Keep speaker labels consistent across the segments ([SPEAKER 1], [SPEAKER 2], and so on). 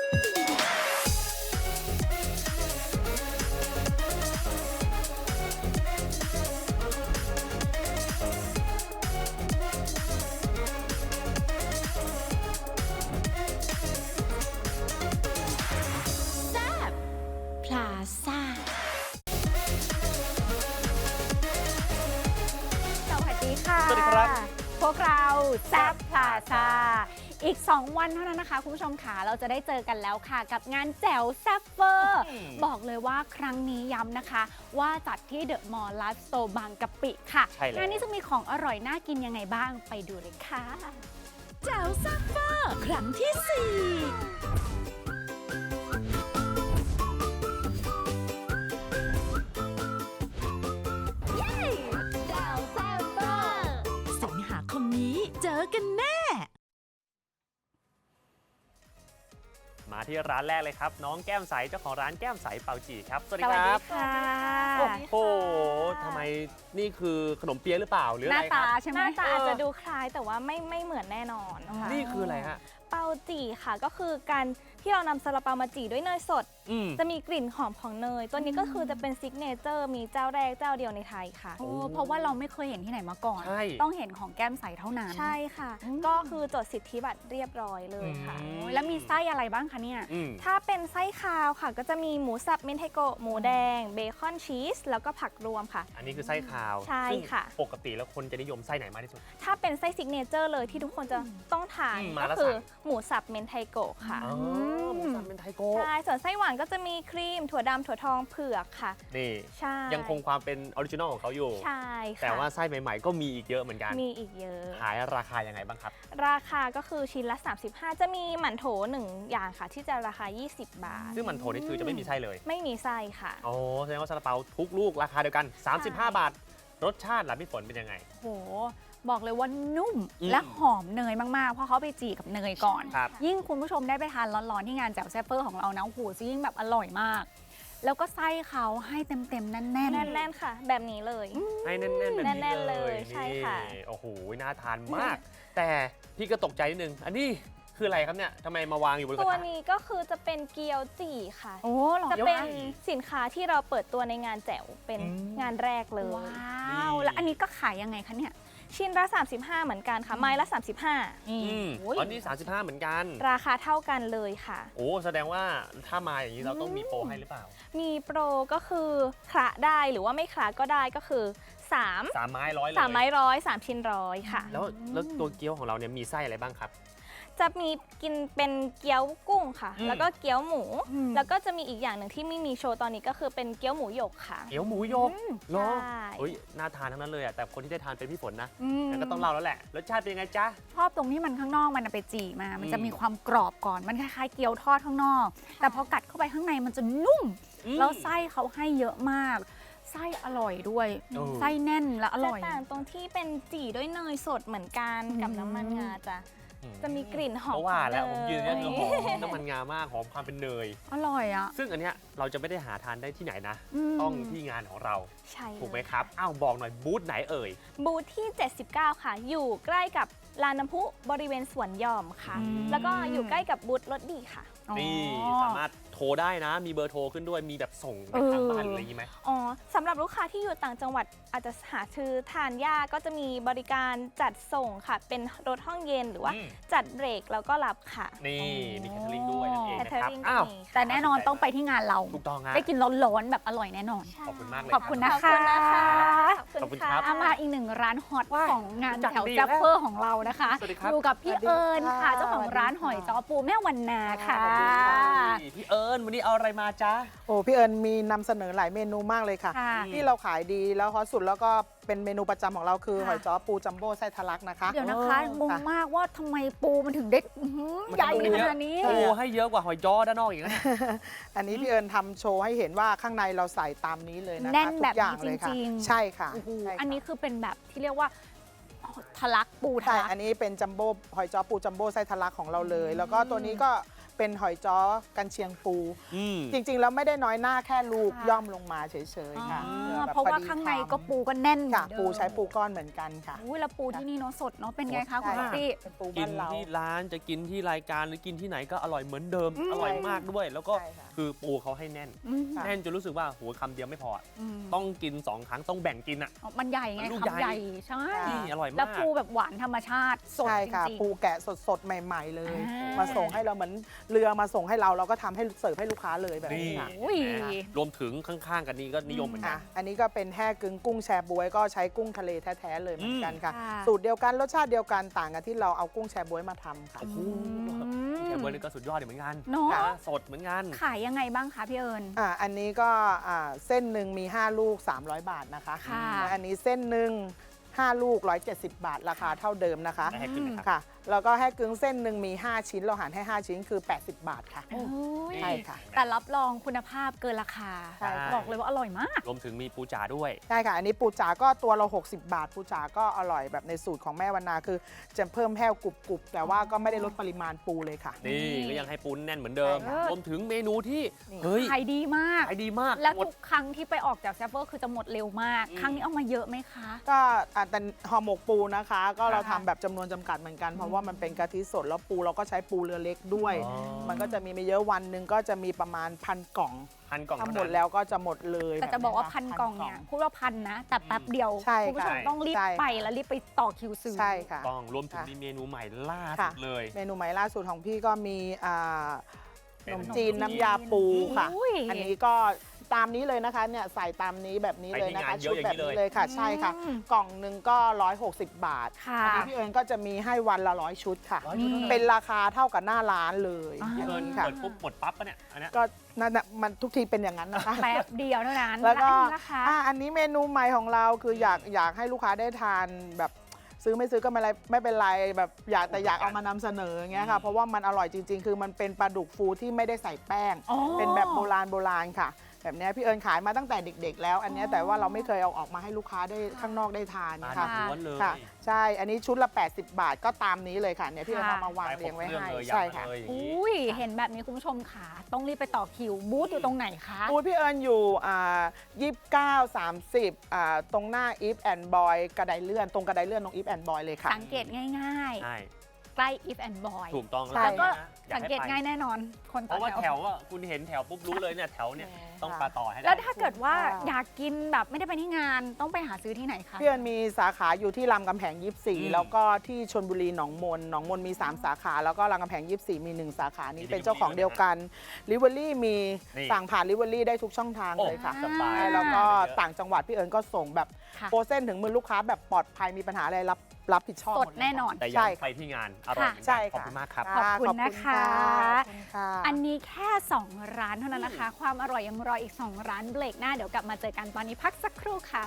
[SPEAKER 1] พลาซ่าสวัสดีค่ะ
[SPEAKER 2] สวัสดีครับ
[SPEAKER 1] พวกเราแซ่บพลาซ่าอีก 2 วันเท่านั้นนะคะคุณผู้ชมค่ะเราจะได้เจอกันแล้วค่ะกับงานแจ๋วแซ่บเวอร์บอกเลยว่าครั้งนี้ย้ำนะคะว่าจัดที่เดอะมอลล์ไลฟ์สโตร์บางกะปิค่ะงานนี้จะมีของอร่อยน่ากินยังไงบ้างไปดูเลยค่ะแจ๋วแซ่บเวอร์ครั้งที่ 4สิงหาคมนี้เจอกันแน่
[SPEAKER 2] มาที่ร้านแรกเลยครับน้องแก้มใสเจ้าของร้านแก้มใสเปาจีครับสวัสดี
[SPEAKER 1] สวัส
[SPEAKER 2] ค
[SPEAKER 1] ดี
[SPEAKER 2] รับ
[SPEAKER 1] ค่ะ
[SPEAKER 2] โอ้โหทำไมนี่คือขนมเปี๊ยะหรือเปล่าหรือ
[SPEAKER 1] ห
[SPEAKER 2] อะ
[SPEAKER 1] น้า
[SPEAKER 2] ไรค
[SPEAKER 1] ตา
[SPEAKER 2] รับ
[SPEAKER 1] ใช่ไห
[SPEAKER 3] ห
[SPEAKER 1] ม
[SPEAKER 3] น้าตาอาจจะดูคล้ายแต่ว่าไม่เหมือนแน่นอนค่ะ
[SPEAKER 2] นี่คืออะไรฮะ
[SPEAKER 3] เปาจี่ค่ะก็คือการที่เรานำซาลาเปามาจี่ด้วยเนยสด
[SPEAKER 2] อืม
[SPEAKER 3] จะมีกลิ่นหอมของเนย ตัวนี้ก็คือจะเป็นซิกเนเจอร์มีเจ้าแรกเจ้าเดียวในไทยค่ะ
[SPEAKER 1] โอ้เพราะว่าเราไม่เคยเห็นที่ไหนมาก่อน
[SPEAKER 2] ใช่
[SPEAKER 1] ต้องเห็นของแก้มใสเท่านั้น
[SPEAKER 3] ใช่ค่ะ
[SPEAKER 1] อืม
[SPEAKER 3] ก็คือจดสิทธิบัตรเรียบร้อยเลยค่ะ
[SPEAKER 2] อื
[SPEAKER 1] โอ้ยแล้วมีไส้อะไรบ้างคะเนี่ย
[SPEAKER 2] อืม
[SPEAKER 3] ถ้าเป็นไส้คาวค่ะ ก็จะมีหมูสับเมนเทโกะหมูแดงเบคอนชีสแล้วก็ผักรวมค่ะ
[SPEAKER 2] อันนี้คือไส้คาว
[SPEAKER 3] ใช่
[SPEAKER 2] ซึ่ง
[SPEAKER 3] ค่ะ
[SPEAKER 2] ปกติแล้วคนจะนิยมไส้ไหนมากที่สุด
[SPEAKER 3] ถ้าเป็นไส้ซิกเนเจอร์เลยที่ทุกคนจะต้องทาน
[SPEAKER 2] มา
[SPEAKER 3] ก็
[SPEAKER 2] แล้ว
[SPEAKER 3] คือ
[SPEAKER 2] สั่ง
[SPEAKER 3] หมูสับเมนไทโกะค่ะ
[SPEAKER 2] อ๋อหมูสับเป็นไทโก้
[SPEAKER 3] ใช่ ส่วนไส้หวานก็จะมีครีมถั่วดำถั่วทองเผือกค่ะ
[SPEAKER 2] นี่
[SPEAKER 3] ใช่
[SPEAKER 2] ยังคงความเป็นออริจินอลของเขาอยู่
[SPEAKER 3] ใช่ค่ะ
[SPEAKER 2] แต่ว่าไส้ใหม่ๆ ก็มีอีกเยอะเหมือนกัน
[SPEAKER 3] มีอีกเยอะ
[SPEAKER 2] ขายราคายังไงบ้างครับ
[SPEAKER 3] ราคาก็คือชิ้นละ 35 จะมีหมั่นโถ1อย่างค่ะ ที่จะราคา 20 บาท
[SPEAKER 2] ซึ่งมันโถนี่คือจะไม่มีไส้เลย
[SPEAKER 3] ไม่มีไส้ค่ะ
[SPEAKER 2] อ๋อแสดงว่าซาลาเปาทุกลูกราคาเดียวกัน 35 บาท รสชาติล่ะพี่ฝนเป็นยังไง
[SPEAKER 1] โห บอกเลยว่านุ่ม
[SPEAKER 2] อืม
[SPEAKER 1] และหอมเนยมาก ๆ เพราะเขาไปจีกับเนยก่อน
[SPEAKER 2] ครับ
[SPEAKER 1] ยิ่งคุณผู้ชมได้ไปทานร้อน ๆ ที่งานแจ่วแซ่บเฟอร์ของเรานะโอ้โหจะยิ่งแบบอร่อยมาก แล้วก็ไส้เขาให้เต็ม ๆ แน่น
[SPEAKER 3] แน่นๆค่ะ แบบนี้เลย
[SPEAKER 2] ให้แน่นๆแบบนี้
[SPEAKER 3] แน่นๆเลยใช่ค่ะ
[SPEAKER 2] นี่โอ้โหน่าทานมาก แต่พี่ก็ตกใจนิดนึง อันนี้คืออะไรครับเนี่ยทำไมมาวางอยู่บนกระ
[SPEAKER 3] ตัว
[SPEAKER 2] ทะ
[SPEAKER 3] นี้ก็คือจะเป็นเกี๊ยวจี่ค่ะ
[SPEAKER 1] ๆ โอ้หรอ
[SPEAKER 3] จะเป็นสินค้าที่เราเปิดตัวในงานแจ๋วเป็น
[SPEAKER 2] อืม
[SPEAKER 3] งานแรกเลย
[SPEAKER 1] ว้าว แล้วอันนี้ก็ขายยังไงคะเนี่ย
[SPEAKER 3] ชิ้นละ 35 เหมือนกันค่ะ ไม้ละ 35
[SPEAKER 1] นี่
[SPEAKER 2] อืม
[SPEAKER 1] โอ้ย
[SPEAKER 2] อันนี้ 35 เหมือนกัน
[SPEAKER 3] ราคาเท่ากันเลยค่ะ
[SPEAKER 2] โอ้แสดงว่าถ้ามาอย่างนี้เราต้องมีโปรให้หรือเปล่า
[SPEAKER 3] มีโปรก็คือคละได้หรือว่าไม่คละก็ได้ก็คือ3
[SPEAKER 2] 3 ไม้ร้อยเลย
[SPEAKER 3] 3ไม้ร้อย3ชิ้นร้อยค่ะ
[SPEAKER 2] แล้วตัวเกี๊ยวของเราเนี่ยมีไส้อะไรบ้างครับ
[SPEAKER 3] จะมีกินเป็นเกี๊ยวกุ้งค่ะ
[SPEAKER 2] อืม
[SPEAKER 3] แล้วก็เกี๊ยวหมู
[SPEAKER 1] อืม
[SPEAKER 3] แล้วก็จะมีอีกอย่างหนึ่งที่ไม่มีโชว์ตอนนี้ก็คือเป็นเกี๊ยวหมูหยกค่ะ
[SPEAKER 2] เกี๊ยวหมูยกเนาะ
[SPEAKER 3] ใช่
[SPEAKER 2] เฮ้ยน่าทานทั้งนั้นเลยอะแต่คนที่ได้ทานเป็นพี่ฝนนะ
[SPEAKER 1] อืม
[SPEAKER 2] งั้นก็ต้องเล่าแล้วแหละรสชาติเป็นยังไงจ๊ะ
[SPEAKER 1] ชอบตรงที่มันข้างนอกมันไปจีมา มันจะ
[SPEAKER 2] อืม
[SPEAKER 1] มีความกรอบก่อน มันคล้ายๆเกี๊ยวทอดข้างนอก แต่พอกัดเข้าไปข้างในมันจะนุ่ม แล้วไส้เขาให้เยอะมาก ไส้อร่อยด้วย
[SPEAKER 2] เออ
[SPEAKER 1] ไส้แน่นและอ
[SPEAKER 3] จะ
[SPEAKER 1] ร่อย
[SPEAKER 3] ต่างตรงที่เป็นจี่ด้วยเนยสดเหมือนกันกับ
[SPEAKER 1] อืม
[SPEAKER 3] น้ำมันงาจะมีกลิ่นหอม
[SPEAKER 2] เพราะว่าแล้วผมยืนเนี่ย
[SPEAKER 3] เน
[SPEAKER 2] คือหอมน้ำมันงามากหอมความเป็นเนย
[SPEAKER 1] อร่อยอ่ะ
[SPEAKER 2] ซึ่งอันเนี้ยเราจะไม่ได้หาทานได้ที่ไหนนะ
[SPEAKER 1] ม
[SPEAKER 2] ต้องที่งานของเรา
[SPEAKER 3] ใช่
[SPEAKER 2] ถูกไหม
[SPEAKER 3] เลย
[SPEAKER 2] ครับ อ้าวบอกหน่อยบูธไหนเอ่ย
[SPEAKER 3] บูธที่ 79 ค่ะ อยู่ใกล้กับลานน้ำพุบริเวณสวนหย่อมค่ะ
[SPEAKER 1] อืม
[SPEAKER 3] แล้วก็อยู่ใกล้กับบูธรถดีค่ะ
[SPEAKER 1] อ๋อ
[SPEAKER 2] นี่สามารถโทรได้นะ มีเบอร์โทรขึ้นด้วย มีแบบส่งไปทางบ้านหรืออะไรอย่างงี้ไหม
[SPEAKER 3] อ๋อสำหรับลูกค้าที่อยู่ต่างจังหวัดอาจจะหาซื้อทานยากก็จะมีบริการจัดส่งค่ะ เป็นรถห้องเย็นหรือว่า
[SPEAKER 2] อืม
[SPEAKER 3] จัดเบรกแล้วก็รับค่ะ
[SPEAKER 2] นี่มีแคทเทอริงด้วยนั่นเองนะครับ
[SPEAKER 3] Catering
[SPEAKER 2] อ้าว
[SPEAKER 3] ก็มีค่ะ
[SPEAKER 1] แต่แน่นอนต้องไปที่งานเรา
[SPEAKER 2] ถูกต้องฮะ
[SPEAKER 1] ได้กินร้อนๆแบบอร่อยแน่นอน
[SPEAKER 2] ขอบคุณมากเลย
[SPEAKER 1] ขอบคุณนะ
[SPEAKER 3] ขอบ
[SPEAKER 1] คะ
[SPEAKER 3] คุณนะคะ
[SPEAKER 2] ขอบคุณครับ
[SPEAKER 1] เอามาอีกหนึ่งร้านฮอต
[SPEAKER 2] ว้าย
[SPEAKER 1] ของงาน
[SPEAKER 2] จัด
[SPEAKER 1] แถว
[SPEAKER 2] ดี
[SPEAKER 1] แซ่บ
[SPEAKER 2] แล้ว
[SPEAKER 1] เฟอร์ของเรานะคะ
[SPEAKER 2] สวัสดีครับ
[SPEAKER 1] อยู่กับพี่
[SPEAKER 4] สวัสดี
[SPEAKER 1] เอิญ
[SPEAKER 4] ค่ะ
[SPEAKER 1] ค่ะเจ้าของร้าน
[SPEAKER 4] สวัสดี
[SPEAKER 1] หอย
[SPEAKER 4] ค่ะ
[SPEAKER 1] จ้อปูแม่วันนาค่ะ
[SPEAKER 2] ขอบคุณครับพี่เอิญวันนี้เอาอะไรมาจ๊ะ
[SPEAKER 4] โอ้พี่เอิญมีนำเสนอหลายเมนูมากเลยค่ะ
[SPEAKER 1] ค่ะ
[SPEAKER 4] ที่เราขายดีแล้วฮอตสุดแล้วก็เป็นเมนูประจำของเราคือ
[SPEAKER 1] ค่ะ
[SPEAKER 4] หอยจ้อปูจัมโบ้ไส้ทะลักนะคะ
[SPEAKER 1] เดี๋ยวนะคะ
[SPEAKER 4] โอ้
[SPEAKER 1] งง
[SPEAKER 4] ค่ะ
[SPEAKER 1] มากว่าทำไมปูมันถึงได้อื้อหือ
[SPEAKER 2] มัน
[SPEAKER 1] ใหญ่
[SPEAKER 2] ดู
[SPEAKER 1] ข
[SPEAKER 2] เยอะ
[SPEAKER 1] นาดนี้
[SPEAKER 2] โอ้ให้เยอะกว่าหอยจ้อด้านนอกอีกนะ
[SPEAKER 4] อันนี้พี่เอิญทำโชว์ให้เห็นว่าข้างในเราใส่ตามนี้เลยนะคะ
[SPEAKER 1] แน่น
[SPEAKER 4] ทุ
[SPEAKER 1] แบ
[SPEAKER 4] ก
[SPEAKER 1] บ
[SPEAKER 4] อย่าง
[SPEAKER 1] นี้
[SPEAKER 4] เลย
[SPEAKER 1] จ
[SPEAKER 4] ค่ะ
[SPEAKER 1] ริงๆ
[SPEAKER 4] ใช่ค่ะ
[SPEAKER 1] โอ้โห
[SPEAKER 4] ใช่ค่ะ
[SPEAKER 1] อันนี้คือเป็นแบบที่เรียกว่าทะลักปูทะ
[SPEAKER 4] ใช่
[SPEAKER 1] ลัก
[SPEAKER 4] อันนี้เป็นจัมโบ้หอยจ้อปูจัมโบ้ไส้ทะลักของเราเลย แล้วก็ตัวนี้ก็เป็นหอยจ้อกันเชียงปู
[SPEAKER 2] อืม
[SPEAKER 4] จริงๆแล้วไม่ได้น้อยหน้าแค่ลูก
[SPEAKER 1] ค่ะ
[SPEAKER 4] ย่อมลงมาเฉยๆค่ะ
[SPEAKER 1] อ๋
[SPEAKER 4] พื่
[SPEAKER 1] อ
[SPEAKER 4] แบบ
[SPEAKER 1] เพราะว่า
[SPEAKER 4] พอดี
[SPEAKER 1] ข้างใน
[SPEAKER 4] คำ
[SPEAKER 1] ก็ปูก็แน่นเหมื
[SPEAKER 4] ค่ะ
[SPEAKER 1] อนเดิม
[SPEAKER 4] ปูใช้ปูก้อนเหมือนกันค่ะ
[SPEAKER 1] อุ้ยแล้วปูที่นี่เนาะสดเนาะเป็นไงคะคุณ
[SPEAKER 4] ใช่
[SPEAKER 1] ป๊อปปี้
[SPEAKER 4] เป็นปู
[SPEAKER 2] กิ
[SPEAKER 4] บ้าน นเรา
[SPEAKER 2] ที่ร้านจะกินที่รายการหรือกินที่ไหนก็อร่อยเหมือนเดิม
[SPEAKER 1] อืม
[SPEAKER 2] อร่อยมากด้วย แล้วก็
[SPEAKER 4] ใช่ค่ะ
[SPEAKER 2] คือปูเขาให้แน่น
[SPEAKER 1] อืม
[SPEAKER 4] ค่ะ
[SPEAKER 2] แน่นจนรู้สึกว่าหัวคำเดียวไม่พออะ
[SPEAKER 1] อืม
[SPEAKER 2] ต้องกิน 2 ครั้งต้องแบ่งกินอ่ะ
[SPEAKER 1] อ๋อมันใหญ่ไง
[SPEAKER 2] มันลูก
[SPEAKER 1] คำใหญ่
[SPEAKER 2] ใหญ่
[SPEAKER 1] ใช่
[SPEAKER 4] ค่ะ
[SPEAKER 2] นี่อร่อย
[SPEAKER 1] แล้ว
[SPEAKER 2] มาก
[SPEAKER 1] ปูแบบหวานธรรมชาติสด
[SPEAKER 4] ใช่
[SPEAKER 1] จ
[SPEAKER 4] ค่ะ
[SPEAKER 1] ริง
[SPEAKER 4] ปูแกะสดๆ ใหม่ ๆ เลย
[SPEAKER 1] อ่าม
[SPEAKER 4] มาส่งให้เราเหมือนเรือมาส่งให้เราก็ทำให้เสิร์ฟให้ลูกค้าเลยแบบ
[SPEAKER 2] นี่
[SPEAKER 4] นี้ค่ะ
[SPEAKER 1] อุ้ย
[SPEAKER 2] เห็นไหมรวมถึงข้างๆกันนี้ก็นิยมเหมือนกั
[SPEAKER 4] อ่ะ
[SPEAKER 2] น
[SPEAKER 4] อันนี้ก็เป็นแห้กึ้งกุ้งแชบ๊วยก็ใช้กุ้งทะเลแท้ๆเลยเหมือนกันค่ะ
[SPEAKER 1] ค่ะ
[SPEAKER 4] สูตรเดียวกันรสชาติเดียวกันต่างกันที่เราเอากุ้งแชบ๊วยมาทำค่ะ
[SPEAKER 2] โอ้โห
[SPEAKER 1] อืม
[SPEAKER 2] แชร์เบอร์นี่ก็สุดยอดเหมือนกัน
[SPEAKER 1] เนาะ
[SPEAKER 2] นะสดเหมือนกัน
[SPEAKER 1] ขายยังไงบ้างคะพี่เอิญ
[SPEAKER 4] อันนี้ก็เส้นหนึ่งมี 5 ลูก 300 บาทนะคะ
[SPEAKER 1] ค่ะ
[SPEAKER 4] และอันนี้เส้นหนึ่ง5 ลูก 170 บาทราคาเท่าเดิมนะคะ
[SPEAKER 2] ได้ให้ขึ้นนะครับ
[SPEAKER 4] ค่ะ แล้วก็แห้กึ้งเส้นหนึ่งมี 5 ชิ้นเราหารให้ 5 ชิ้นคือ 80 บาทค่ะ
[SPEAKER 1] โอ้ย
[SPEAKER 4] ใช่ค่ะ
[SPEAKER 1] แต่รับรองคุณภาพเกินราคา
[SPEAKER 4] ใช่ค่ะ
[SPEAKER 1] บอกเลยว่าอร่อยมาก
[SPEAKER 2] รวมถึงมีปูจ๋าด้วย
[SPEAKER 4] ใช่ค่ะ อันนี้ปูจ๋าก็ตัวเรา 60 บาท ปูจ๋าก็อร่อยแบบในสูตรของแม่วรรณาคือจะเพิ่มแห้วกรุบๆ แต่ว่าก็ไม่ได้ลดปริมาณปูเลยค่ะ
[SPEAKER 2] นี่
[SPEAKER 1] นี่
[SPEAKER 2] ก็ยังให้ปูแน่นเหมือนเดิม
[SPEAKER 4] ใช่ค่ะ
[SPEAKER 2] รวมถึงเมนูที่
[SPEAKER 4] นี่
[SPEAKER 2] เฮ้ย
[SPEAKER 1] ขายดีมาก
[SPEAKER 2] ขายดีมาก
[SPEAKER 1] แล้ว
[SPEAKER 2] หมด
[SPEAKER 1] ทุกครั้งที่ไปออกจากแซฟเวอร์คือจะหมดเร็วมาก
[SPEAKER 2] อืม
[SPEAKER 1] ครั้งนี้เอามาเยอะไหมคะ
[SPEAKER 4] ก็แต่ห่อหมกปูนะคะ ก็เรา
[SPEAKER 1] ค่ะ
[SPEAKER 4] ทำแบบจำนวนจำกัดเหมือนกัน เพราะว่ามันเป็นกะทิสดแล้วปูเราก็ใช้ปูเรือเล็กด้วย
[SPEAKER 2] อ๋อ
[SPEAKER 4] มันก็จะมีไม่เยอะวันหนึ่งก็จะมีประมาณ1,000 กล่อง
[SPEAKER 2] พันกล่อง
[SPEAKER 4] ถ้า
[SPEAKER 2] เท่า
[SPEAKER 4] หม
[SPEAKER 2] นั้
[SPEAKER 4] ด
[SPEAKER 2] น
[SPEAKER 4] แล้วก็จะหมดเลย
[SPEAKER 1] แต่จะบอกว่า
[SPEAKER 4] บบ
[SPEAKER 1] พันกล่องเนี่ยพูดว่าพันนะ แต่แป๊บเดียว
[SPEAKER 4] ใช่
[SPEAKER 1] คุณผู้ชม
[SPEAKER 2] ค่ะ
[SPEAKER 1] ต้องรีบ
[SPEAKER 4] ใช่
[SPEAKER 1] ไปแล้วรีบไปต่อคิวซื้อ
[SPEAKER 4] ใช่ค่ะ
[SPEAKER 2] ต้องรวมถึง
[SPEAKER 4] ค่ะ
[SPEAKER 2] มีเมนูใหม่ล่าสุ
[SPEAKER 4] ค่ะ
[SPEAKER 2] ดเลย
[SPEAKER 4] เมนูใหม่ล่าสุดของพี่ก็มี
[SPEAKER 2] เป็น
[SPEAKER 4] ขนมจีนน้ำยาปูค่ะ
[SPEAKER 1] อุ้ย
[SPEAKER 4] อันนี้ก็ตามนี้เลยนะคะเนี่ยใส่ตามนี้แบบนี้เลยนะคะ
[SPEAKER 2] ไปที่งานเย
[SPEAKER 4] ชุ
[SPEAKER 2] อะ
[SPEAKER 4] ด
[SPEAKER 2] อย่าง
[SPEAKER 4] แบบ
[SPEAKER 2] นี้เลย
[SPEAKER 4] นี้เลยค่ะ ใช่ค่ะ
[SPEAKER 1] อืม
[SPEAKER 4] กล่องหนึ่งก็160 บาท
[SPEAKER 1] ค่ะ
[SPEAKER 4] อันี้พี่เอิญก็จะมีให้วันละ100 ชุดค่ะ
[SPEAKER 2] ร้อยชุดเท่านั้น
[SPEAKER 4] เป็นราคาเท่ากับหน้าร้านเลย
[SPEAKER 1] อ่า
[SPEAKER 2] พี่เอิญ
[SPEAKER 4] ค่ะ
[SPEAKER 2] เปิดปุ๊บหมดปั๊บปะเนี่ยอันเนี้ย
[SPEAKER 4] ก็นั่นน่ะมันทุกทีเป็นอย่างนั้นนะคะ
[SPEAKER 1] แป๊บเดียวเท่านั้น
[SPEAKER 4] แล้วก็
[SPEAKER 1] อันนี้นะคะ
[SPEAKER 4] อันนี้เมนูใหม่ของเราคืออยากให้ลูกค้าได้ทานแบบซื้อไม่ซื้อก็ไม่เป็นไรแบบอยากเอามานำเสนออย่างเงี้ยค่ะเพราะว่ามันอร่อยจริง ๆ คือมันเป็นปลาดุกฟูที่ไม่ได้ใส่แป้ง
[SPEAKER 1] อ๋อ
[SPEAKER 4] เป็นแบบโบราณค่ะ แบบเนี้ยพี่เอิญขายมาตั้งแต่เด็ก ๆ แล้ว อันเนี้ยแต่ว่าเราไม่เคยเอาออกมาให้ลูกค้าได้ข้างนอกได้ทาน
[SPEAKER 2] มา
[SPEAKER 4] ค่ะ
[SPEAKER 2] จากล้วนเลย
[SPEAKER 4] ค่ะ ใช่ อันนี้ชุดละ 80 บาทก็ตามนี้เลยค่ะเนี่ยพี่เอิญ
[SPEAKER 1] ค่ะ
[SPEAKER 4] เอามาวาง
[SPEAKER 2] ไป
[SPEAKER 4] เรียงไว้
[SPEAKER 2] ครบ
[SPEAKER 4] ให้
[SPEAKER 2] เครื่องเลย
[SPEAKER 4] ใช่
[SPEAKER 2] ยำมา
[SPEAKER 4] ค่ะ
[SPEAKER 2] เลยอย่างนี้
[SPEAKER 1] อุ้ยเห็นแบบนี้คุณผู้ชมค่ะต้องรีบไปต่อคิวบูธอยู่ตรงไหนคะ
[SPEAKER 4] บูธพี่เอิญอยู่29 30ตรงหน้า If and Boy กระไดเลื่อนตรงกระไดเลื่อนตรง If and Boy เลยค่ะ
[SPEAKER 1] สังเกตง่าย
[SPEAKER 2] ใช่
[SPEAKER 1] ๆ ใกล้ if and boy
[SPEAKER 2] ถูกต้อง
[SPEAKER 4] ใช่
[SPEAKER 1] แล้วก็
[SPEAKER 2] นะอย
[SPEAKER 1] สัง
[SPEAKER 2] ให้
[SPEAKER 1] เกต
[SPEAKER 2] ไป
[SPEAKER 1] ง่ายแน่นอน คน
[SPEAKER 2] เพ
[SPEAKER 1] ต่อ
[SPEAKER 2] ราะว่า
[SPEAKER 1] แถ
[SPEAKER 2] แถ
[SPEAKER 1] ว
[SPEAKER 2] วอ่ะคุณเห็นแถวปุ๊บรู้เลยเนี่ยแถวเนี่ยต้อง
[SPEAKER 4] ค่ะ
[SPEAKER 2] ปลาต่อให้ได้
[SPEAKER 1] แล้วถ้าเกิดว่า
[SPEAKER 4] ค่ะ
[SPEAKER 1] อยากกินแบบไม่ได้ไปที่งานต้องไปหาซื้อที่ไหนคะ
[SPEAKER 4] พี่เอิญมีสาขาอยู่ที่รามกำแพง
[SPEAKER 2] อืม
[SPEAKER 4] 24 แล้วก็ที่ชลบุรีหนองมนมี 3 สาขา แล้วก็รามกำแพง 24 มี 1 สาขานี้
[SPEAKER 2] มี
[SPEAKER 4] เป็นเจ้าของเดียวกันลิเวอรี่มี
[SPEAKER 2] นี่
[SPEAKER 4] สั่งผ่านลิเวอรี่ได้ทุกช่องทาง
[SPEAKER 2] โอ้
[SPEAKER 4] เลยค่ะ
[SPEAKER 2] สบาย
[SPEAKER 4] แล้วก็
[SPEAKER 2] เยอะ
[SPEAKER 4] ต่างจังหวัดพี่เอิญก็ส่งแบบ
[SPEAKER 1] ค่ะ
[SPEAKER 4] โปรเส้นถึงมือลูกค้าแบบปลอดภัยมีปัญหาอะไรรับผิดชอบ
[SPEAKER 1] ส
[SPEAKER 4] ห
[SPEAKER 1] ด
[SPEAKER 4] มเลย
[SPEAKER 1] แน่นอน
[SPEAKER 2] แต่
[SPEAKER 4] ใช่
[SPEAKER 2] ยังไป
[SPEAKER 4] ค่ะ
[SPEAKER 2] ที่งานอร่อยเหมือน
[SPEAKER 4] ใช่
[SPEAKER 2] กันขอบ
[SPEAKER 4] ค่ะ
[SPEAKER 2] คุณมากครับ
[SPEAKER 1] ขอบคุณนะคะ
[SPEAKER 4] ขอบคุณค่ะ
[SPEAKER 1] อันนี้แค่ 2 ร้านเท่านั้นนะคะ ความอร่อยยังรออีก 2 ร้านเบรกหน้าเดี๋ยวกลับมาเจอกันตอนนี้พักสักครู่ค่ะ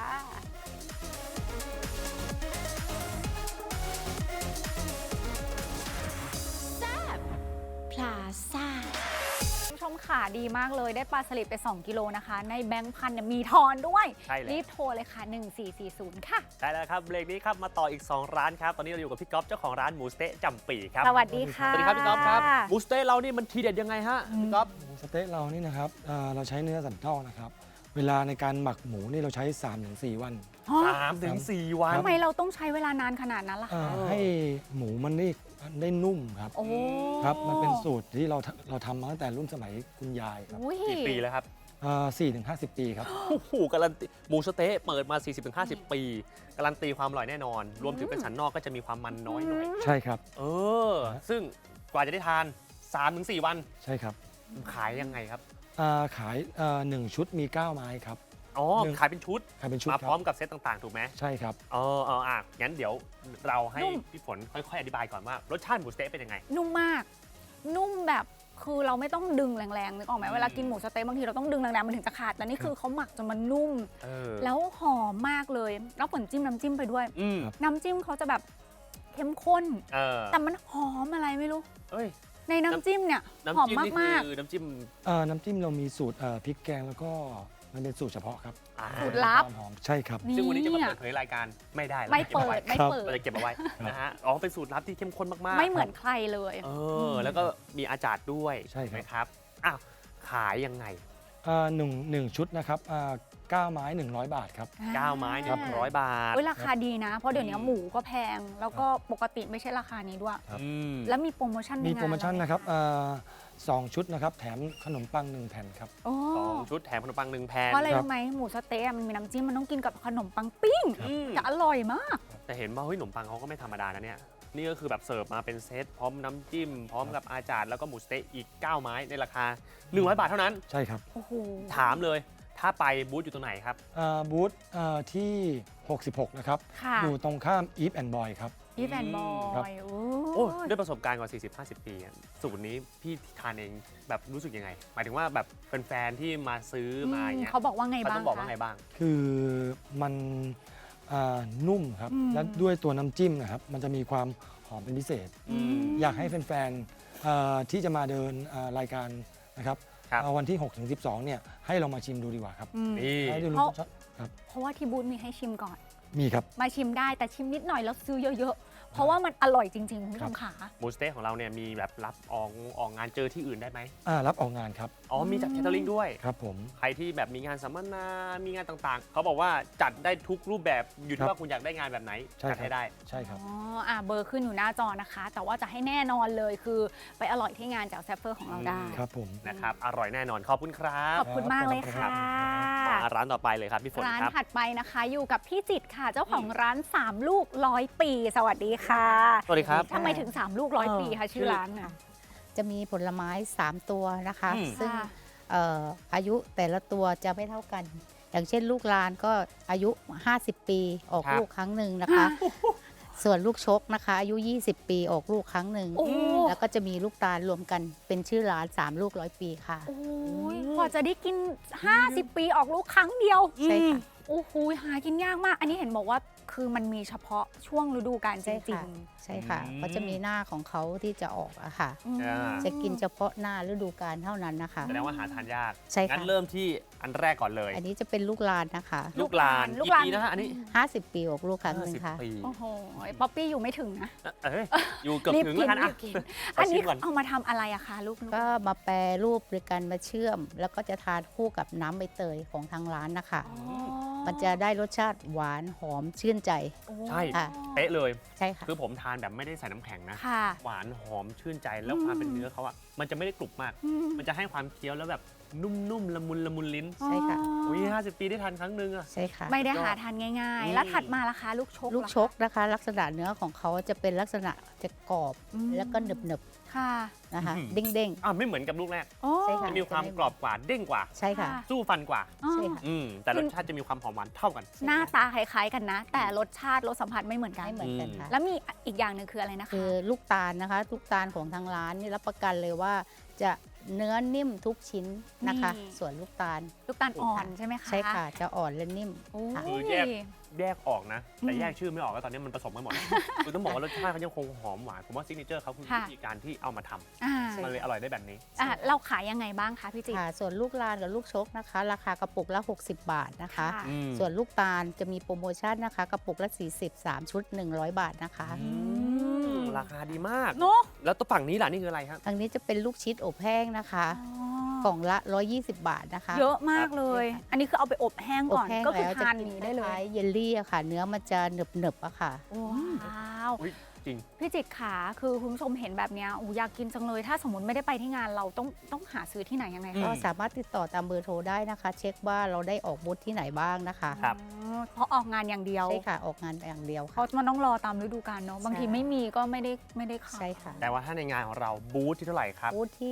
[SPEAKER 5] พลาซ่า
[SPEAKER 1] คุณผู้ชมค่ะดีมากเลยได้ปลาสลิดไป 2 กิโลนะคะ ในแบงค์พันเนี่ยมีทอนด้วย
[SPEAKER 2] ใช่แล้ว
[SPEAKER 1] รีบโทรเลยค่ะ 1440 ค่ะ
[SPEAKER 2] ใช่แล้วครับเบรกนี้ครับมาต่ออีก 2 ร้านครับ ตอนนี้เราอยู่กับพี่ก๊อฟเจ้าของร้านหมูสะเต๊ะจำปีครับ
[SPEAKER 1] สวัสดีค่ะ
[SPEAKER 2] สวัสดีครับพี่ก๊อฟครับหมูสะเต๊ะเรานี่มันทีเด็ดยังไงฮะพี่ก๊อฟ
[SPEAKER 6] หมูสะเต๊ะเรานี่นะครับเราใช้เนื้อสันนอกนะครับ เวลาในการหมักหมูนี่เราใช้ 3-4 วัน
[SPEAKER 2] 3-4 วัน
[SPEAKER 1] ทำไมเราต้องใช้เวลานานขนาดนั้นล่ะคะ
[SPEAKER 6] ให้หมูมันได้นุ่มครับ
[SPEAKER 1] โอ้
[SPEAKER 6] ครับ มันเป็นสูตรที่เราทำมาตั้งแต่รุ่นสมัยคุณยายครับ
[SPEAKER 1] อุ้ย
[SPEAKER 2] กี่ปีแล้วครับ
[SPEAKER 6] 4-50 ปีครับ
[SPEAKER 2] โอ้โหการันตีหมูสะเต๊ะเปิดมา 40-50 ปี การันตีความอร่อยแน่นอน รวมถึงเป็นสันนอกก็จะมีความมันน้อยหน่อย
[SPEAKER 6] ใช่ครับ
[SPEAKER 2] ซึ่งกว่าจะได้ทาน 3-4 วัน
[SPEAKER 6] ใช่ครับ
[SPEAKER 2] ขายยังไงครับ
[SPEAKER 6] ขาย1 ชุดมี 9 ไม้ครับ
[SPEAKER 2] อ๋อ
[SPEAKER 6] หนึ่ง
[SPEAKER 2] ขายเป็นชุด
[SPEAKER 6] ขายเป็นชุด
[SPEAKER 2] มา
[SPEAKER 6] ค
[SPEAKER 2] พร้อ
[SPEAKER 6] รั
[SPEAKER 2] ม
[SPEAKER 6] บ
[SPEAKER 2] กับเซตต่างๆ ถูกไหม
[SPEAKER 6] ใช่ครับ
[SPEAKER 2] งั้นเดี๋ยวเราให้พี่ฝนค่อยๆ อธิบายก่อนว่ารสชาติหมูสะเต๊ะเป็นยังไง
[SPEAKER 1] นุ่มมาก นุ่มแบบคือเราไม่ต้องดึงแรงๆนึกออกไหมเวลากินหมูสะเต๊ะบางทีเราต้องดึงแรงๆมันถึงจะขาดแต่นี่คือเขาหมักจนมันนุ่ม แล้วหอมมากเลยแล้วฝนจิ้มน้ำจิ้มไปด้วย
[SPEAKER 2] อืม
[SPEAKER 1] น้ำจิ้มเขาจะแบบเข้มข้น แต่มันหอมอะไรไม่รู้
[SPEAKER 2] เอ้ย
[SPEAKER 1] ในน้ำจิ้มเนี่ยหอม
[SPEAKER 2] น้ำจิ้มนี่
[SPEAKER 1] มาก
[SPEAKER 2] คือน้ำจิ้ม
[SPEAKER 6] น้ำจิ้มเรามีสูตรพริกแกงแล้วก็มันเป็นสูตรเฉพาะครับ
[SPEAKER 2] อ่า
[SPEAKER 1] สูตรลับ
[SPEAKER 6] ความหอมใช่ครับ
[SPEAKER 2] ซึ่งวันนี้จะมาเปิดเผยรายการไม่ได้
[SPEAKER 1] ไม่เปิดไม่
[SPEAKER 6] ครับ
[SPEAKER 1] เปิด
[SPEAKER 2] เราจะเก็บเอาไว้นะฮะอ๋อเป็นสูตรลับที่เข้มข้นมากๆ
[SPEAKER 1] ไม่เหมือนใครเลย
[SPEAKER 2] แล้วก็มีอาจารย์ด้วย
[SPEAKER 6] ใช่ครับ
[SPEAKER 2] ไหมครับอ้าวขายยังไง
[SPEAKER 6] หนึ่งชุดนะครับ9 ไม้ 100 บาทครับ
[SPEAKER 2] 9 ไม้ 100 บาท
[SPEAKER 1] เว้ยราคาดีนะ เพราะเดี๋ยวนี้หมูก็แพง แล้วก็ปกติไม่ใช่ราคานี้ด้วย
[SPEAKER 6] ครับ
[SPEAKER 2] อืม
[SPEAKER 1] แล้วมีโปรโมชั่นใน
[SPEAKER 6] มี
[SPEAKER 1] งาน
[SPEAKER 6] โปรโมชั่น
[SPEAKER 1] เาไห
[SPEAKER 6] นะครับ2 ชุดนะครับ แถมขนมปัง 1 แผ่นครับ
[SPEAKER 1] โอ้
[SPEAKER 2] 2 ชุดแถมขนมปัง 1 แผ่น
[SPEAKER 1] เพราะอะไร
[SPEAKER 6] ครับ
[SPEAKER 1] รู้ไหมหมูสะเต๊ะมันมีน้ำจิ้มมันต้องกินกับขนมปังปิ้ง
[SPEAKER 2] อืม
[SPEAKER 1] จะอร่อยมาก
[SPEAKER 2] แต่เห็นว่าเฮ้ยขนมปังเขาก็ไม่ธรรมดานะเนี่ย นี่ก็คือแบบเสิร์ฟมาเป็นเซตพร้อมน้ำจิ้ม พร้อมกับอาจารย์แล้วก็หมูสะเต๊ะอีก 9 ไม้ในราคา 100 บาทเท่านั้น
[SPEAKER 6] ใช่ครับ
[SPEAKER 1] โอ้โห
[SPEAKER 2] ถามเลยถ้าไปบูธอยู่ตรงไหนครับ
[SPEAKER 6] บูธที่ 66 นะครับ
[SPEAKER 1] ค่ะ
[SPEAKER 6] อยู่ตรงข้าม Eve and Boy ครับ
[SPEAKER 1] พี่แฟนบอ
[SPEAKER 6] ครับ
[SPEAKER 1] ย
[SPEAKER 2] โอ้ด้วยประสบการณ์กว่า 40-50 ปีอะสูตรนี้พี่ทานเองแบบรู้สึกยังไง หมายถึงว่าแบบแฟนๆที่มาซื้อมาอย่างเงี้ย
[SPEAKER 1] เขาบอกว่าไง
[SPEAKER 2] เขา
[SPEAKER 1] บ้า
[SPEAKER 2] ต้
[SPEAKER 1] ง
[SPEAKER 2] องบอกว่า
[SPEAKER 1] คะ
[SPEAKER 2] ไงบ้าง
[SPEAKER 6] คือมันนุ่มครับ
[SPEAKER 1] อืม
[SPEAKER 6] และด้วยตัวน้ำจิ้มนะครับ มันจะมีความหอมเป็นพิเศษ
[SPEAKER 2] อืม
[SPEAKER 6] อยากให้แฟนๆที่จะมาเดินรายการนะครับ
[SPEAKER 2] ครับ
[SPEAKER 6] วันที่ 6-12 เนี่ยให้ลองมาชิมดูดีกว่าครับ
[SPEAKER 1] อืม
[SPEAKER 2] นี่
[SPEAKER 6] ให้ดูร
[SPEAKER 1] เพราะ
[SPEAKER 6] สชาติครับ
[SPEAKER 1] เพราะว่าที่บูธมีให้ชิมก่อน
[SPEAKER 6] มีครับ
[SPEAKER 1] มาชิมได้แต่ชิมนิดหน่อยแล้วซื้อเยอะๆ เพราะว่ามันอร่อยจริงๆ คุณผู้ชมขา
[SPEAKER 2] หมูสะเต๊ะของเราเนี่ยมีแบบรับออกงานเจอที่อื่นได้ไหม
[SPEAKER 6] รับออกงานครับ
[SPEAKER 2] อ๋อมีจัดแคทเทอริงด้วย
[SPEAKER 6] ครับผม
[SPEAKER 2] ใครที่แบบมีงานสัมมนา มีงานต่างๆ เขาบอกว่าจัดได้ทุกรูปแบบอยู่
[SPEAKER 6] ครั
[SPEAKER 2] ที่
[SPEAKER 6] บ
[SPEAKER 2] ว่าคุณอยากได้งานแบบไหน
[SPEAKER 6] ใช่
[SPEAKER 2] จัด
[SPEAKER 6] ครับ
[SPEAKER 2] ให้ได้
[SPEAKER 6] ใช่ครับ
[SPEAKER 1] อ๋อเบอร์ขึ้นอยู่หน้าจอนะคะ แต่ว่าจะให้แน่นอนเลยคือไปอร่อยที่งานแจ่วแซฟเฟอร์ของเราได้
[SPEAKER 6] ครับผม
[SPEAKER 2] นะครับ อร่อยแน่นอน ขอบคุณครับ
[SPEAKER 1] ขอบคุณมากเลยค่ะ
[SPEAKER 2] มาร้านต่อไปเลยครับพี่ฝน
[SPEAKER 1] ร้าน
[SPEAKER 2] ครับ
[SPEAKER 1] ถัดไปนะคะอยู่กับพี่จิตรค่ะ เจ้าของร้าน 3 ลูก100 ปี สวัสดีค่ะ
[SPEAKER 2] สวัสดีครับ
[SPEAKER 1] ทำไมถึง 3 ลูก100 ปีคะชื่อร้านน่ะ
[SPEAKER 7] จะมีผลไม้ 3 ตัวนะคะ
[SPEAKER 2] อืม
[SPEAKER 7] ซึ่ง
[SPEAKER 1] ค่ะ
[SPEAKER 7] อายุแต่ละตัวจะไม่เท่ากัน อย่างเช่นลูกลานก็อายุ 50 ปีออกลูกครั้งหนึ่งนะคะ ส่วนลูกชกนะคะ อายุ 20 ปีออกลูกครั้งหนึ่ง
[SPEAKER 1] โอ้
[SPEAKER 7] แล้วก็จะมีลูกตาลรวมกันเป็นชื่อร้าน 3 ลูก100 ปีค่ะ
[SPEAKER 1] โอ้ยกว่าจะได้กิน 50 ปีออกลูกครั้งเดียว
[SPEAKER 7] ใช่ค่ะ
[SPEAKER 1] โอ้โหหากินยากมาก อันนี้เห็นบอกว่าคือมันมีเฉพาะช่วงฤดูกาลจ
[SPEAKER 7] ใช่
[SPEAKER 1] ริ
[SPEAKER 7] ค่ะ
[SPEAKER 1] ง
[SPEAKER 7] ใช่ค่ะ
[SPEAKER 2] อืม
[SPEAKER 7] ก็จะมีหน้าของเขาที่จะออกอะค่ะ
[SPEAKER 1] ๆอืม
[SPEAKER 2] อ่า
[SPEAKER 7] จะกินเฉพาะหน้าฤดูกาลเท่านั้นนะคะ
[SPEAKER 2] แสดงว่าหาทานยาก
[SPEAKER 7] ใช่ค่ะ
[SPEAKER 2] งั้นเริ่มที่อันแรกก่อนเลย
[SPEAKER 7] อันนี้จะเป็นลูกลานนะคะ
[SPEAKER 2] ลูกลาน
[SPEAKER 1] ลูก
[SPEAKER 2] กี่
[SPEAKER 1] ลาน
[SPEAKER 2] ปีนะฮะอันนี้
[SPEAKER 7] 50 ปีออกลูกครั้งหนึ่งค่ะ
[SPEAKER 2] 50 ปี
[SPEAKER 1] โอ้โหป๊อปปี้อยู่ไม่ถึงนะ
[SPEAKER 2] เอ้ยอยู่เกือบ
[SPEAKER 1] รีบ
[SPEAKER 2] ถึง
[SPEAKER 1] กิ
[SPEAKER 2] แล้ว
[SPEAKER 1] น
[SPEAKER 2] กัน
[SPEAKER 1] รี
[SPEAKER 2] อ่ะ
[SPEAKER 1] บกิน
[SPEAKER 2] ข
[SPEAKER 1] อัน
[SPEAKER 2] ชิ
[SPEAKER 1] นี้
[SPEAKER 2] มก่อน
[SPEAKER 1] เอามาทำอะไรอะคะลูก
[SPEAKER 7] ก็มาแปรรูปโดยการมาเชื่อม แล้วก็จะทานคู่กับน้ำใบเตยของทางร้านนะคะ
[SPEAKER 1] อ๋อ
[SPEAKER 7] มันจะได้รสชาติหวานหอมชื่นใจ
[SPEAKER 1] โอ้
[SPEAKER 2] ใช่
[SPEAKER 7] ค่ะ
[SPEAKER 2] เป๊ะเลย
[SPEAKER 7] ใช่ค่ะ
[SPEAKER 2] คือผมทานแบบไม่ได้ใส่น้ำแข็งนะ
[SPEAKER 1] ค่ะ
[SPEAKER 2] หวานหอมชื่นใจแล้วความเป็นเนื้อเขาอ่ะมันจะไม่ได้กรุบมาก
[SPEAKER 1] อืม
[SPEAKER 2] มันจะให้ความเคี้ยวแล้วแบบนุ่มๆละมุนลิ้น
[SPEAKER 7] ใช่ค่ะ
[SPEAKER 2] อุ้ย50 ปีได้ทานครั้งหนึงอ่ะ
[SPEAKER 7] ใช่ค่ะ
[SPEAKER 1] ไม่ได้หาทานง่าย
[SPEAKER 2] อื
[SPEAKER 1] ๆ
[SPEAKER 2] ม
[SPEAKER 1] แล้วถัดมาล่ะคะลูกชก
[SPEAKER 7] ลูก
[SPEAKER 1] ล่ะ
[SPEAKER 7] ชกนะคะ ลักษณะเนื้อของเขาจะเป็นลักษณะจะกรอบ
[SPEAKER 1] อืม
[SPEAKER 7] แล้วก็หนึบ
[SPEAKER 1] ค่ะ
[SPEAKER 7] ๆนะคะ
[SPEAKER 2] อืม
[SPEAKER 7] เด้ง
[SPEAKER 2] อ่ะไม่เหมือนกับลูกแรก
[SPEAKER 1] โอ้
[SPEAKER 7] ใช่ค่ะ
[SPEAKER 2] จะมีความกรอบกว่าเด้งกว่า
[SPEAKER 7] ๆ ใช่ค่ะ
[SPEAKER 1] ค่ะ
[SPEAKER 2] สู้ฟันกว่า
[SPEAKER 1] อ๋อ
[SPEAKER 7] ใช่ค่ะ
[SPEAKER 2] แต่รสชาติจะมีความหอมหวานเท่ากัน
[SPEAKER 1] หน้าตาคล้ายๆกันนะ แต่รสชาติรสสัมผัสไม่เหมือนกัน
[SPEAKER 7] ไม่เหมือนกันค่ะ
[SPEAKER 1] แล้วมีอีกอย่างหนึ่งคืออะไรนะคะ
[SPEAKER 7] คือลูกตาลนะคะ ลูกตาลของทางร้านนี่รับประกันเลยว่า จะเนื้อนิ่มทุกชิ้นนะคะ
[SPEAKER 1] นี่
[SPEAKER 7] ส่วนลูกตาล
[SPEAKER 1] ลูกตาลอ่อนใช่ไหมคะ
[SPEAKER 7] ใช่ค่ะ จะอ่อนและนิ่ม
[SPEAKER 1] โอ้
[SPEAKER 7] ค่ะ
[SPEAKER 2] คือแยกออกนะ แต่แยกชื่อไม่ออกแล้วตอนนี้มันผสมกันหมด คือต้องบอกว่ารสชาติเขายังคงหอมหวานผมว่าซิกเนเจอร์เขาคือวิธีการที่เอามาทำ
[SPEAKER 1] อ่า
[SPEAKER 2] มันเลยอร่อยได้แบบนี้
[SPEAKER 1] เราขายยังไงบ้างคะพี่จิตร
[SPEAKER 7] ค่ะ ส่วนลูกลานกับลูกชกนะคะ ราคากระปุกละ 60 บาทนะคะ
[SPEAKER 1] ค่ะ
[SPEAKER 7] ส่วนลูกตาลจะมีโปรโมชั่นนะคะ กระปุกละ 40 3 ชุด 100 บาทนะคะ
[SPEAKER 2] ราคาดีมาก
[SPEAKER 1] เนาะ
[SPEAKER 2] แล้วตัวฝั่งนี้ล่ะนี่คืออะไรครับ
[SPEAKER 7] ทางนี้จะเป็นลูกชิดอบแห้งนะคะ กล่องละ 120 บาทนะคะ
[SPEAKER 1] เยอะมากเลย อันนี้คือเอาไปอบแห้ง
[SPEAKER 7] อบ
[SPEAKER 1] ก่อน
[SPEAKER 7] แห้ง
[SPEAKER 1] ก็คือ
[SPEAKER 7] แล้วจะ
[SPEAKER 1] ทาน
[SPEAKER 7] กิน
[SPEAKER 1] นี้ได้เลย
[SPEAKER 7] คล้ายๆเยลลี่อะค่ะ เนื้อมันจะหนึบๆอะค่ะ
[SPEAKER 1] ว้าว
[SPEAKER 2] อุ๊ยจริง
[SPEAKER 1] พี่จิตรขาคือคุณผู้ชมเห็นแบบเนี้ยอยากกินจังเลย ถ้าสมมติไม่ได้ไปที่งานเราต้องหาซื้อที่ไหนยังไง
[SPEAKER 2] อื
[SPEAKER 1] คะ
[SPEAKER 7] ก็สามารถติดต่อตามเบอร์โทรได้นะคะ เช็คว่าเราได้ออกบูธที่ไหนบ้างนะคะ
[SPEAKER 2] ครับ
[SPEAKER 1] อ๋อเพราะออกงานอย่างเดียว
[SPEAKER 7] ใช่ค่ะ ออกงานอย่างเดียว
[SPEAKER 1] เพราะ
[SPEAKER 7] ค่ะ
[SPEAKER 1] มันต้องรอตามฤดูกาลเนาะบางที
[SPEAKER 7] ใช่
[SPEAKER 1] ไม่มีก็ไม่ได้ขาย
[SPEAKER 7] ใช่ค่ะ
[SPEAKER 2] แต่ว่าถ้าในงานของเราบูธที่เท่าไหร่ครับ
[SPEAKER 7] บูธที่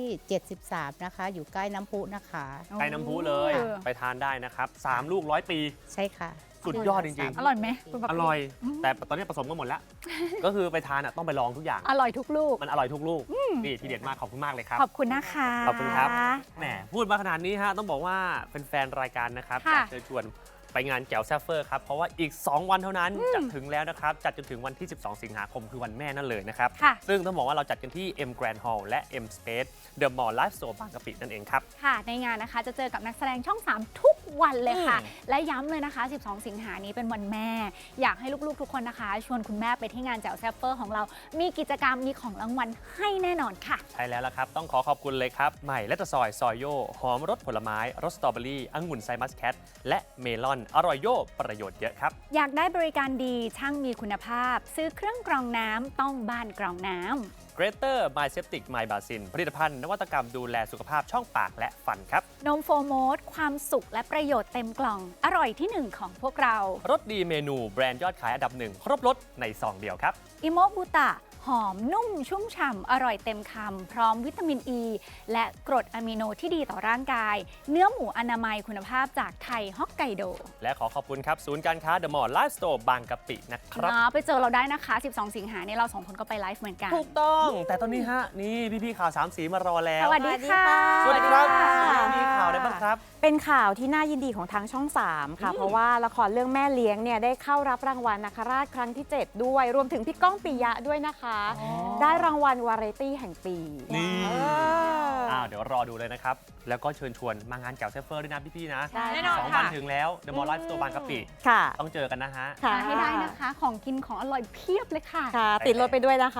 [SPEAKER 7] 73 นะคะ อยู่ใกล้น้ำพุนะคะ
[SPEAKER 2] ใกล้น้ำพุเลย
[SPEAKER 1] เออ
[SPEAKER 2] ไปทานได้นะครับ3 ลูก100 ปี
[SPEAKER 7] ใช่ค่ะ
[SPEAKER 2] สุดยอดจริงๆ
[SPEAKER 1] อร่อยไหมคุณป๊ป
[SPEAKER 2] อ
[SPEAKER 1] ปี้
[SPEAKER 2] ร่อย แต่ตอนนี้ผสมกันหมดแล้ว ก็คือไปทานต้องไปลองทุกอย่าง
[SPEAKER 1] อร่อยทุกลูก
[SPEAKER 2] มันอร่อยทุกลูก นี่ทีเด็ดมากขอบคุณมากเลยครับ
[SPEAKER 1] ขอบคุณนะคะ
[SPEAKER 2] ขอบคุณครับ แหมพูดมาขนาดนี้ฮะต้องบอกว่าเป็นแฟนรายการนะครับอ
[SPEAKER 1] ค่ะ
[SPEAKER 2] ยากเชิญชวนไปงานแจ๋วแซฟเฟอร์ครับ เพราะว่าอีก 2 วันเท่านั้นจะถึงแล้วนะครับ จัดจนถึงวันที่ 12 สิงหาคมคือวันแม่นั่นเลยนะครับ
[SPEAKER 1] ค่ะ
[SPEAKER 2] ซึ่งต้องบอกว่าเราจัดกันที่ M Grand Hall และ M Space The Mall Live Store บางกะปินั่นเองครับ
[SPEAKER 1] ค่ะในงานนะคะจะเจอกับนักแสดงช่อง 3 ทุกวันเลยค่ะ
[SPEAKER 2] อืม
[SPEAKER 1] และย้ำเลยนะคะ 12 สิงหานี้เป็นวันแม่ อยากให้ลูกๆทุกคนนะคะ ชวนคุณแม่ไปที่งานแจ๋วแซฟเฟอร์ของเรา มีกิจกรรมมีของรางวัลให้แน่นอนค่ะ
[SPEAKER 2] ใช่แล้วล่ะครับ ต้องขอบคุณเลยครับ ใหม่และตะซอยซอยโยหอมรสผลไม้รสสตรอเบอรี่องุ่นไซมัสแคทและเมลอนอร่อยโยประโยชน์เยอะครับ
[SPEAKER 1] อยากได้บริการดีช่างมีคุณภาพ ซื้อเครื่องกรองน้ำต้องบ้านกรองน้ำ
[SPEAKER 2] Greater My Septic My Basin ผลิตภัณฑ์นวัตกรรมดูแลสุขภาพช่องปากและฟันครับ
[SPEAKER 1] นมโฟโมสความสุขและประโยชน์เต็มกล่อง อร่อยที่หนึ่งของพวกเรา
[SPEAKER 2] รสดีเมนูแบรนด์ยอดขายอันดับหนึ่งครบรสในซองเดียวครับ
[SPEAKER 1] อิโมบุตะหอมนุ่มชุ่มฉ่ำอร่อยเต็มคำพร้อมวิตามินอ e, ีและกรดอะมิโนที่ดีต่อร่างกาย เนื้อหมูอนามัยคุณภาพจากไทยฮอกไกโด
[SPEAKER 2] และขอบคุณครับ ศูนย์การค้า The Mall Live Store บางกะปินะครับ
[SPEAKER 1] ไปเจอเราได้นะคะ 12 สิงหาเนี่ยเราสองคนก็ไปไลฟ์เหมือนกัน
[SPEAKER 2] ถูกต้อง แต่ตอนนี้ฮะ นี่พี่ๆข่าว 3 สีมารอแล้ว
[SPEAKER 1] สวัสดีค่ะ
[SPEAKER 2] สวัสดีครับมีข่าวอะไรบ้างครับ
[SPEAKER 8] เป็นข่าวที่น่ายินดีของทางช่อง 3 ค่ะ เพราะว่าละครเรื่องแม่เลี้ยงเนี่ยได้เข้ารับรางวัลนาคราชครั้งที่ 7 ด้วย รวมถึงพี่ก้องปิยะด้วยนะคะ ได้รางวัลวาไรตี้แห่งปี
[SPEAKER 2] นี่
[SPEAKER 8] เออ
[SPEAKER 2] เดี๋ยวรอดูเลยนะครับ แล้วก็เชิญชวนมางานแจ๋วเซฟเฟอร์ด้วยนะพี่ๆนะ
[SPEAKER 8] ได้
[SPEAKER 3] แน่นอน
[SPEAKER 2] 2 วัน
[SPEAKER 3] ค่ะ
[SPEAKER 2] ถึงแล้ว The Mall Live Store บางกะปิ
[SPEAKER 8] ค่ะ
[SPEAKER 2] ต้องเจอกันนะฮะ
[SPEAKER 8] ค่ะ
[SPEAKER 1] ให้ได้นะคะ ของกินของอร่อยเพียบเลยค่ะ
[SPEAKER 8] ค่ะ ติดรถไปด้วยนะคะ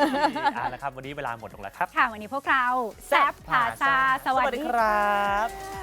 [SPEAKER 2] เอาละครับ วันนี้เวลาหมดลงแล้วครับ
[SPEAKER 1] ค่ะ วันนี้พวกเราแซบพาซาสวัสดี
[SPEAKER 2] ครับ